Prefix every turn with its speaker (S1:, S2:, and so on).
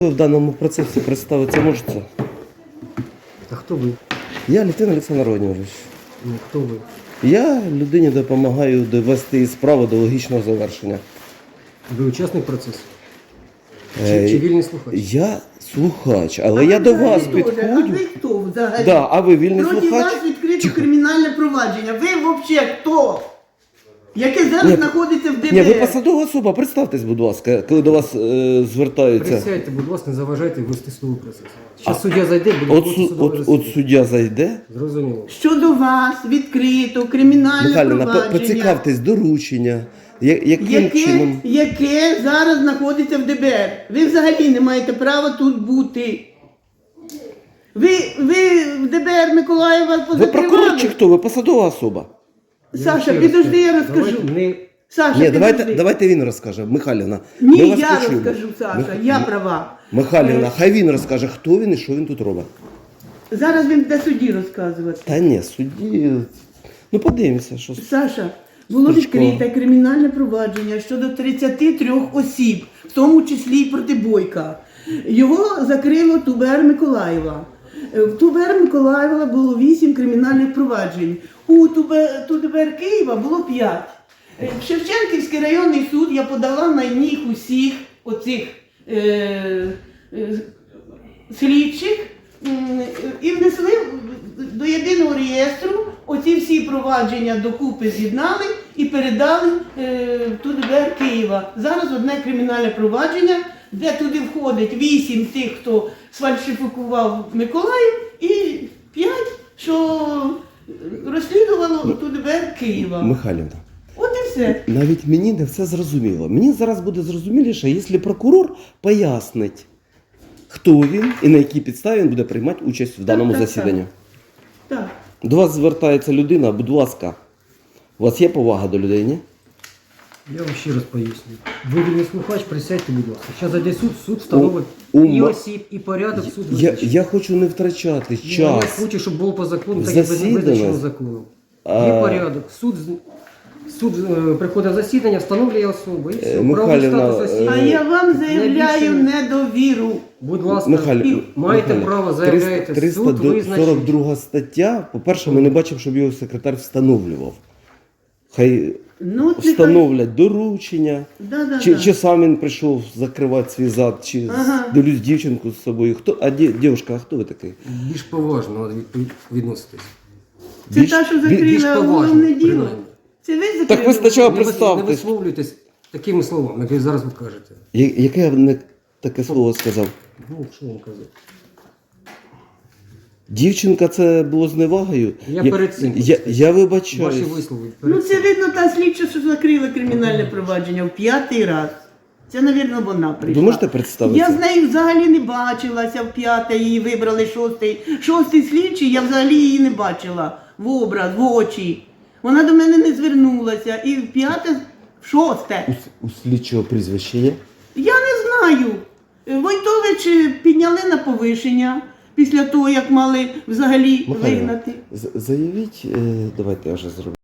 S1: Ви в даному процесі представитися можете?
S2: А хто ви?
S1: Я Літвін Олександр Володимирович.
S2: Ну, хто ви?
S1: Я людині допомагаю довести справу до логічного завершення.
S2: Ви учасник процесу? Чи вільний слухач?
S1: Я слухач, але я до вас
S3: А
S1: підходжу.
S3: ви хто взагалі?
S1: Да, а ви вільний
S3: Проти
S1: слухач?
S3: вас відкрито кримінальне провадження. Ви взагалі хто? Яке зараз
S1: Ні,
S3: знаходиться в ДБР?
S1: Ні, ви посадова особа, представтесь, будь ласка, коли до вас звертаються.
S2: Присядьте, будь ласка, не заважайте вести судовий процес. Зараз суддя зайде, буде проводити судове
S1: От
S2: засідання.
S1: суддя зайде.
S2: Зрозуміло.
S3: Щодо вас відкрито кримінальне
S1: Михайлівна,
S3: провадження.
S1: поцікавтесь, доручення. Яким чином?
S3: Яке зараз знаходиться в ДБР. Ви взагалі не маєте права тут бути. Ви в ДБР Миколаєва
S1: Ви
S3: позакривали?
S1: прокурор чи хто? Ви посадова особа?
S3: Саша,
S2: ще раз
S3: підожди, я
S2: кажу,
S3: розкажу.
S2: давайте не-
S3: Саша,
S1: Ні,
S3: підожди.
S1: давайте він розкаже. Михайлівна,
S3: Ні,
S1: ми вас
S3: я
S1: почуємо.
S3: розкажу, Саша, я права.
S1: Михайлівна, хай він розкаже, хто він і що він тут робить.
S3: Зараз він буде судді розказувати.
S1: Та ні, судді. Ну подивимося, що.
S3: Саша, було
S1: Стручко.
S3: відкрите кримінальне провадження щодо 33 осіб, в тому числі і проти Бойка. Його закрило ТУБР Миколаєва. В ТУБР Миколаєва було 8 кримінальних проваджень. У ТУБР Києва було 5. В Шевченківський районний суд я подала на них усіх оцих слідчих і внесли до єдиного реєстру оці всі провадження докупи з'єднали і передали в ТУБР Києва. Зараз одне кримінальне провадження, де туди входить 8 тих, хто сфальсифікував Миколаїв, і 5, що розслідувало ТУБР Києва.
S1: Михайлівна,
S3: От і все.
S1: навіть мені не все зрозуміло. Мені зараз буде зрозуміліше, якщо прокурор пояснить, хто він і на якій підставі він буде приймати участь в даному
S3: так,
S1: засіданні.
S3: Так.
S1: До вас звертається людина, будь ласка. У вас є повага до людей, ні?
S2: Я вам ще раз поясню. Ви вільний слухач, присядьте, будь ласка. Зараз зайде суд встановить і осіб, і порядок, суд визначить.
S1: Я хочу не втрачати
S2: Я
S1: час.
S2: хочу, щоб було по закону,
S1: В
S2: так і
S1: засідання.
S2: визначено законом. Є порядок. Суд приходить в засідання, встановлює особу. І все.
S1: Михайлівна,
S2: Правовий статус осіб.
S3: А я вам заявляю
S2: більше-
S3: недовіру.
S2: Будь ласка,
S1: Михайлівна,
S2: маєте право, заявляєте, суд визначить.
S1: 342 стаття. По-перше, ми не бачимо, щоб його секретар встановлював. Хай
S3: Ну, от нехай-
S1: встановлять доручення.
S3: Да.
S1: Чи сам він прийшов закривати свій зад, чи
S3: Ага.
S1: дивлюсь дівчинку з собою. Дівчинка, а хто ви такий?
S2: Більш поважно відноситись.
S3: Це та, що
S2: більш
S3: закрила
S2: поважно,
S3: головне діло.
S2: принаймні.
S3: Це ви закрили?
S1: Так ви спочатку
S2: Не
S1: представтесь.
S2: висловлюйтесь такими словами, як ви зараз ви кажете.
S1: Яке я не таке слово сказав?
S2: Ну, що вам казати?
S1: Дівчинка, це було зневагою.
S2: Я перед цим
S1: Я вибачаюсь.
S2: Ваші вислови.
S3: Ну це видно та слідча, що закрила кримінальне провадження в 5-й раз. Це, мабуть, вона прийшла.
S1: Ви можете представитися?
S3: Я з нею взагалі не бачилася в 5-й, її вибрали 6-й. 6-й слідчий, я взагалі її не бачила в образ, в очі. Вона до мене не звернулася. І в 5-те, в 6-те.
S1: У слідчого прізвище є?
S3: Я не знаю. Войтович підняли на повишення після того, як мали взагалі
S1: Михайло,
S3: вигнати.
S1: заявіть, давайте я вже зроблю.